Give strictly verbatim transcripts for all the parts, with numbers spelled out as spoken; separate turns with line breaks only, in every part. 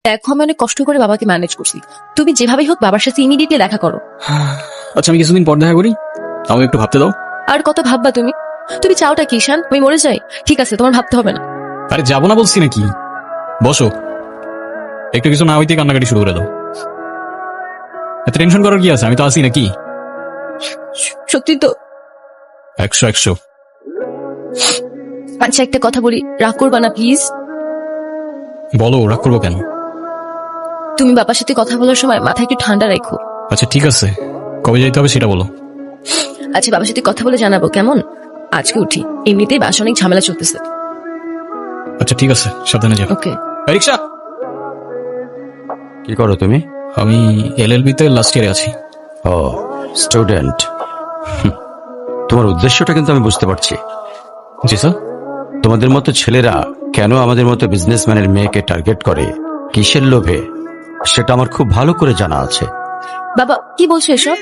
দেখো আমি অনেক কষ্ট করে বাবাকে ম্যানেজ করছি, তুমি যেভাবেই হোক বাবার সাথে ইমিডিয়েটলি দেখা করো।
আচ্ছা আমি কিছুদিন পর দেখা করি, আমাকে একটু ভাবতে দাও।
আর কত ভাববা তুমি? তুমি চাওটা কি ঈশান, আমি মরে যাই? ঠিক আছে, তোমার ভাবতে হবে না।
আরে যাবো না বলছি নাকি, বসো। একটু কিছু না হইতে কান্নাকাটি শুরু করে দাও। এত টেনশন করার কি আছে, আমি তো আছি নাকি।
সত্যি তো?
একশো একশো।
আচ্ছা একটা কথা বলি, রাগ করবা না প্লিজ।
বলো, রাগ করবো কেন?
তুমি বাবার সাথে কথা বলার সময় মাথা একটু ঠান্ডা রাখো।
আচ্ছা ঠিক আছে, কবে যাইতে হবে সেটা বলো।
আচ্ছা বাবার সাথে কথা বলে জানাবো কেমন? আজকে উঠি, এমনিতেই বাসা অনেক ঝামেলা চলতেছে।
আচ্ছা ঠিক আছে, সাবধানে যাও।
ওকে।
এই রিক্সা।
কি করো তুমি?
আমি এলএলবি তে লাস্ট ইয়ারে আছি।
ও স্টুডেন্ট। তোমার উদ্দেশ্যটা কিন্তু আমি বুঝতে পারছি।
জি স্যার।
তোমাদের মতো ছেলেরা কেন আমাদের মতো বিজনেসম্যানের মেয়েকে টার্গেট করে, কিসের লোভে, সেটা আমার খুব ভালো করে জানা আছে।
বাবা কি বলছো এসব?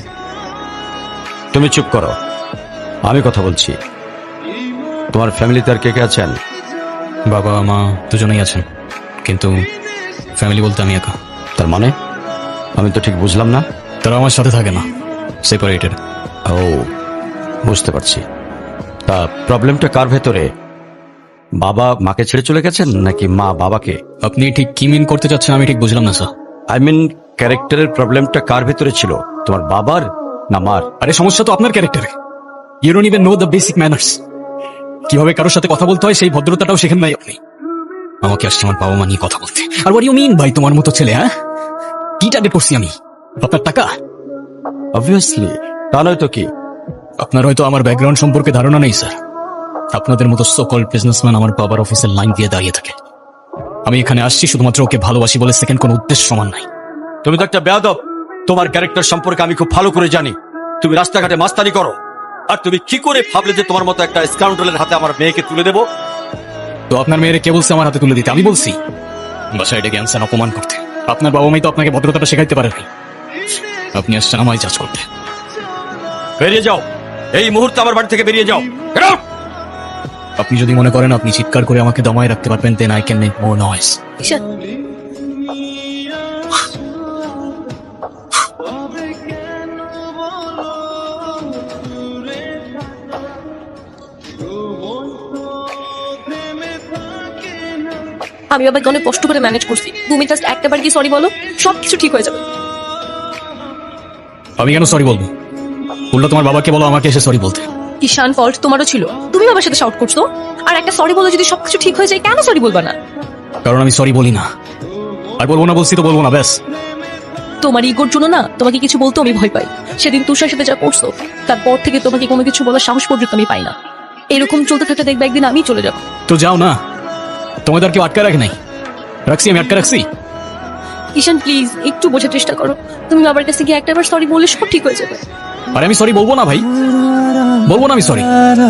তুমি চুপ করো, আমি কথা বলছি। তোমার ফ্যামিলিতে আর কে কে আছেন?
বাবা মা দুজনেই আছেন, কিন্তু ফ্যামিলি বলতে আমি একা।
তার মানে আমি তো ঠিক বুঝলাম না।
তারা আমার সাথে থাকে না, সেপারেটেড।
ও বুঝতে পারছি। তা প্রবলেমটা কার ভেতরে? বাবা মাকে ছেড়ে চলে গেছেন নাকি মা বাবাকে?
আপনি ঠিক কি মিন করতে চাচ্ছেন আমি ঠিক বুঝলাম না স্যার।
আই মিন ক্যারেক্টারের প্রবলেমটা কার ভেতরে ছিল, তোমার বাবার না মার?
আরে সমস্যা তো আপনার ক্যারেক্টারে। You don't even know the basic manners. কিভাবে কারোর সাথে কথা বলতে হয় সেই ভদ্রতাটাও শেখেন নাই আপনি। আমাকে আসছে আমার বাবা মা নিয়ে কথা বলতে। আর হোয়াট ইউ মিন ভাই, তোমার মতো ছেলে? হ্যাঁ, কি টার্গেট করছি আমি? আপনার টাকা?
অবভিয়াসলি, তা নয় তো কি।
আপনার হয়তো আমার ব্যাকগ্রাউন্ড সম্পর্কে ধারণা নেই স্যার। আপনাদের মতো সো কল্ড বিজনেসম্যান আমার বাবার অফিসের লাইন দিয়ে দাঁড়িয়ে থাকে। আমি এখানে আসছি শুধুমাত্র ওকে ভালোবাসি বলে, সেকেন্ড কোনো উদ্দেশ্য সমান নাই।
তুমি তো একটা বেয়াদব। তোমার ক্যারেক্টার সম্পর্কে আমি খুব ভালো করে জানি। তুমি রাস্তাঘাটে মাস্তানি করো, আর তুমি কি করে ভাবলে যে তোমার মতো একটা স্কাউন্ডারের হাতে আমার মেয়েকে তুলে দেবো?
তো আপনার মেয়েরে কে বলছে আমার হাতে তুলে দিতে? আমি বলছি? বাসায় ডেকে আনছেন অপমান করতে। আপনার বাবা মাই তো আপনাকে ভদ্রতাটা শেখাইতে পারেনি। আপনি আসছেন আমায় জাজ করতে।
বেরিয়ে যাও, এই মুহূর্তে আমার বাড়ি থেকে বেরিয়ে যাও। Get out!
আপনি যদি মনে করেন আপনি চিৎকার করে আমাকে দমায় রাখতে পারবেন, then I can make more noise.
Ishaan আমি বাবাকে অনেক কষ্ট করে ম্যানেজ করছি, তুমি জাস্ট একটাবার কি সরি বলো, সবকিছু ঠিক হয়ে যাবে।
আমি কেন সরি বলবো? উল্টো তোমার বাবাকে বলো আমাকে এসে সরি বলতে।
ঈশান ফল্ট তোমারও ছিল, তুমি বাবার সাথে শাউট করছো। আর একটা সরি বলে যদি সবকিছু ঠিক হয়ে যায়, কেন সরি বলবা না?
কারণ আমি সরি বলি না। আর বলবো না বলছি তো বলবো না, ব্যাস।
তোমার ইগোর জন্য না তোমাকে কিছু বলতে আমি ভয় পাই। সেদিন তুষার সাথে যা করছো, তারপর থেকে তোমাকে কোনো কিছু বলার সাহস পর্যন্ত আমি পাই না। এরকম চলতে থাকতে দেখবে একদিন আমি চলে যাবো।
তো যাও না, তোমাদের আর কেউ আটকা রাখে নাই। রাখছি, আমি আটকা রাখছি।
ঈশান প্লিজ একটু বোঝার চেষ্টা করো, তুমি বাবার কাছে গিয়ে একটাবার সরি বললে সব ঠিক হয়ে যাবে।
আরে আমি সরি বলবো না ভাই, বলবো না আমি সরি।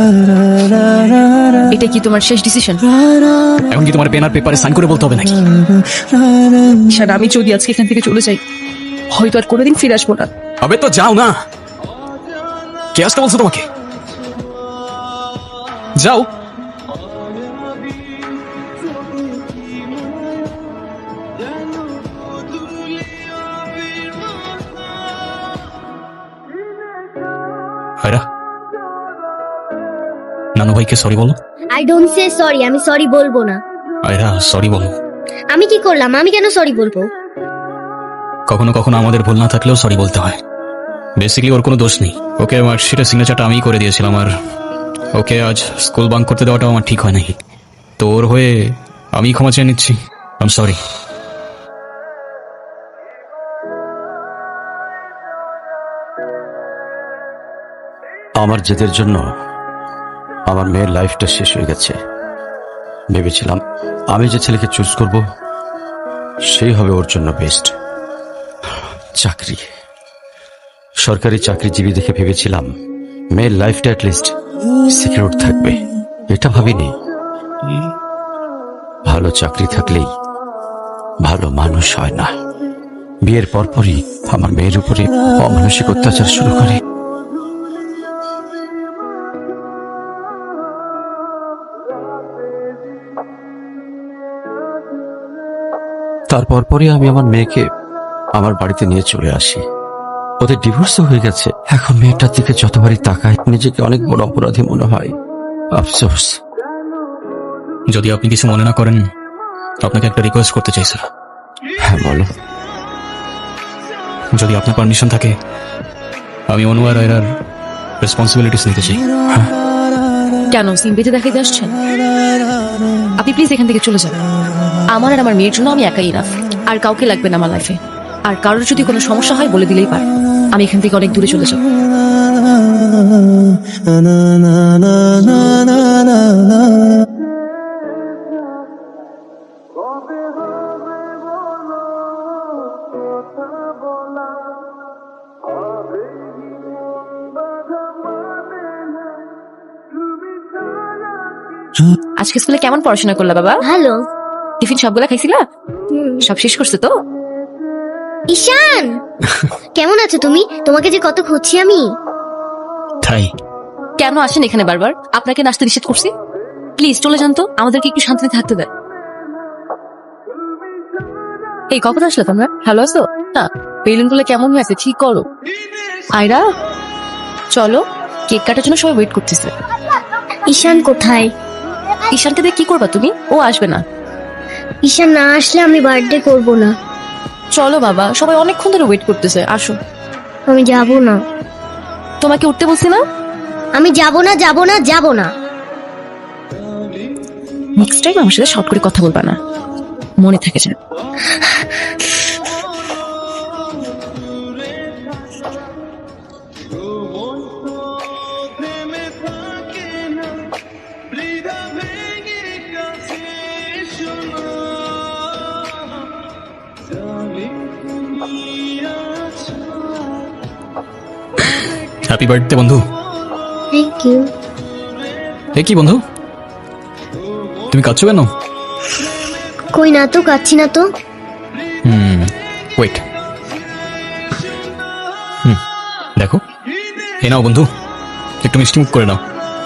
এটা কি তোমার শেষ ডিসিশন?
এখন কি তোমার পেন আর পেপারে সাইন করে বলতে হবে নাকি?
ঈশান আমি যদি আজকে এখান থেকে চলে যাই, হয়তো আর কোনোদিন ফিরে আসবো না।
আবে তো যাও না, কে আসতে বলছো তোমাকে? যাও। হায়রা, নানু ভাইকে সরি বলো।
আই ডোন্ট সে সরি, আমি সরি বলবো না।
আয়রা সরি বলো।
আমি কি করলাম? আমি কেন সরি বলবো?
কখনো কখনো আমাদের ভুল না থাকলেও সরি বলতে হয়। বেসিক্যালি ওর কোনো দোষ নেই। ওকে মার্কশিটের সিগনেচারটা আমিই করে দিয়েছিলাম, আর ওকে আজ স্কুল বাঙ্ক করতে দেওয়াটাও আমার ঠিক হয় নাই। তো ওর হয়ে আমি ক্ষমা চেয়ে নিচ্ছি। I am sorry.
আমার জেদের জন্য আমার মেয়ের লাইফটা শেষ হয়ে গেছে। ভেবেছিলাম আমি যে ছেলেকে চুজ করব সেই হবে ওর জন্য বেস্ট। চাকরি, সরকারি চাকরিজীবী দেখে ভেবেছিলাম মেয়ের লাইফটা অ্যাটলিস্ট সিকিউর থাকবে। এটা ভাবিনি ভালো চাকরি থাকলেই ভালো মানুষ হয় না। বিয়ের পরপরই আমার মেয়ের উপরে অমানসিক অত্যাচার শুরু করে। তারপর পরই আমি আমার মেয়েকে আমার বাড়িতে নিয়ে চলে আসি। ওদের ডিভোর্সও হয়ে গেছে। এখন মেয়েটার দিকে যতবারই তাকায় নিজেকে অনেক বড় অপরাধী মনে হয়। আফসোস।
যদি আপনি কিছু মনে না করেন, আপনাকে একটা রিকোয়েস্ট করতে চাই স্যার।
হ্যাঁ বলো।
যদি আপনার পারমিশন থাকে, আমি অনু আর আয়রার রেসপন্সিবিলিটিস নিতে চাই।
কেন সিম বেঁধে দেখাইতে আসছেন? আপনি প্লিজ এখান থেকে চলে যান। আমার আর আমার মেয়ের জন্য আমি একাই না, আর কাউকে লাগবে না আমার লাইফে। আর কারোর যদি কোনো সমস্যা হয় বলে দিলেই পারে। আমি এখান থেকে অনেক দূরে চলে যাব। আজকে স্কুলে কেমন পড়াশোনা করলা বাবা?
ভালো।
টিফিন সবগুলা খাইছিলা?
হুম।
সব শেষ করছে তো?
ঈশান, কেমন আছো তুমি? তোমাকে যে কত খুঁজছি আমি।
তাই
কেন আসেন এখানে বারবার? আপনাকে নাচতে নিষেধ করছি? প্লিজ চলে যান তো, আমাদেরকে একটু শান্তিতে থাকতে দেন। এই কখন আসলে তোমরা? ভালো আছো? না, বেলুন গুলো কেমন হয়েছে ঠিক করো। আয়রা চলো, কেক কাটার জন্য সবাই ওয়েট করতেছে।
ঈশান কোথায়?
ঈশানকে দিয়ে কি করবা তুমি? ও আসবে না।
ঈশান না আসলে আমি বার্থডে করব না।
চলো বাবা, সবাই অনেকক্ষণ ধরে ওয়েট করতেছে, আসো।
আমি যাব না।
তোমাকে উঠতে বলছি না?
আমি যাব না, যাব না, যাব না।
নেক্সট টাইম আমার সাথে শর্ট করে কথা বলবা না, মনে থাকে যেন।
হ্যাপি বার্থডে বন্ধু।
Thank you.
এ কি বন্ধু, তুমি কাঁদছো কেন?
কই না তো, কাচ্ছি না তো।
হুম ওয়েট, হুম দেখো, এ নাও বন্ধু, একটু মিষ্টি মুখ করে নাও।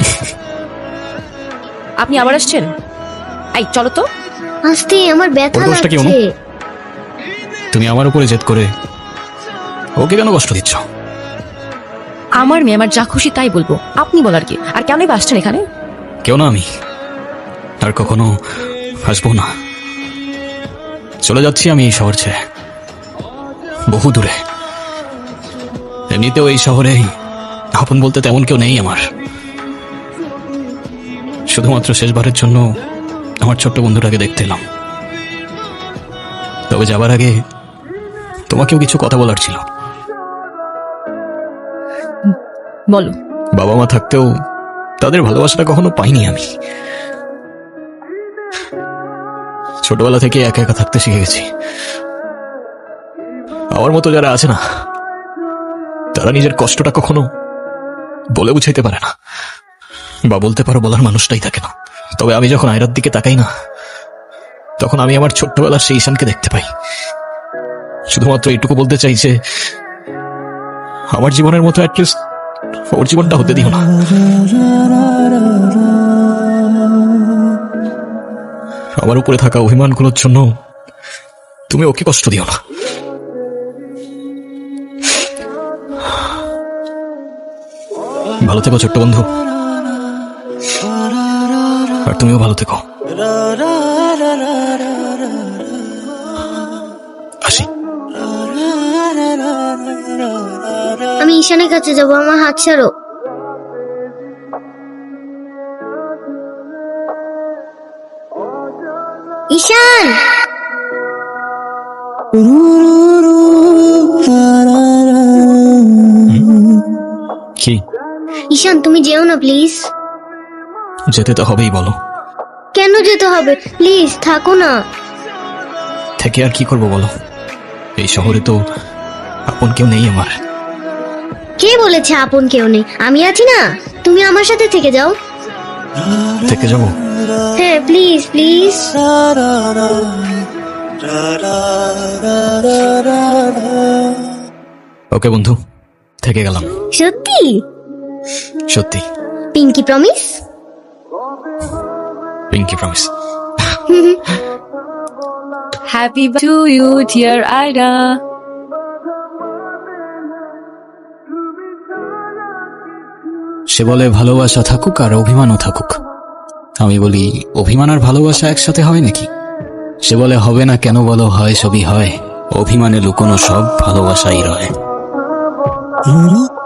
আপনি আবার আসছেন? আই চলো তো।
আস্তে, আমার ব্যথা
ওর দোষটা কি অনু?
লাগছে।
তুমি আমার উপরে জেদ করে ওকে কেন কষ্ট দিচ্ছ?
আমার মেয়ে আমার যা খুশি তাই বলবো, আপনি বলার কি? আর কেনই বা আসছেন এখানে?
কেউ না, আমি আর কখনো আসবো না। চলে যাচ্ছি আমি এই শহর ছেড়ে, বহু দূরে। এমনিতেও এই শহরে আপন বলতে তেমন কেউ নেই আমার। শুধুমাত্র শেষবারের জন্য আমার ছোট্ট বন্ধুটাকে দেখতে এলাম। তবে যাবার আগে তোমাকেও কিছু কথা বলার ছিল।
বলো।
বাবা মা থাকতেও তাদের ভালোবাসাটা কখনো পাইনি আমি। ছোটবেলা থেকে একা একা থাকতে শিখে গেছি। আমার মতো যারা আছে না, তারা নিজের কষ্টটা কখনো বলে বুঝাইতে পারে না, বা বলতে পারো বলার মানুষটাই থাকে না। তবে আমি যখন আয়রার দিকে তাকাই না, তখন আমি আমার ছোট্টবেলার সেই ঈশানকে দেখতে পাই। শুধুমাত্র এইটুকু বলতে চাই যে আমার জীবনের মতো অ্যাটলিস্ট ওর জীবনটা হতে দিও না। আমার উপরে থাকা অভিমানগুলোর জন্য তুমি ওকে কষ্ট দিও না। ভালো থেকো ছোট্ট বন্ধু, আর তুমিও ভালো থেকো। আসি।
আমি ঈশানের কাছে যাব, আমার হাত ছাড়ো। ঈশান,
কি?
ঈশান তুমি যেও না প্লিজ।
যেতে তো হবেই, বলো।
কেন যেতে হবে? প্লিজ থাকো না।
থেকে আর কি করবো বলো, এই শহরে তো আপন কেউ নেই আমার।
কে বলেছে আপন কেউ নেই? আমি আছি না, তুমি আমার সাথে থেকে যাও।
থেকে যাবো?
হ্যাঁ প্লিজ প্লিজ।
ওকে বন্ধু, থেকে গেলাম।
সত্যি?
সত্যি।
Pinky promise?
Pinky promise.
Happy to you dear Ayra.
সে বলে ভালোবাসা থাকুক আর অভিমানও থাকুক। আমি বলি অভিমান আর ভালোবাসা একসাথে হয় নাকি? সে বলে হবে না কেন বলো, হয় সবই হয়, অভিমানে লুকোনো সব ভালোবাসাই রয়।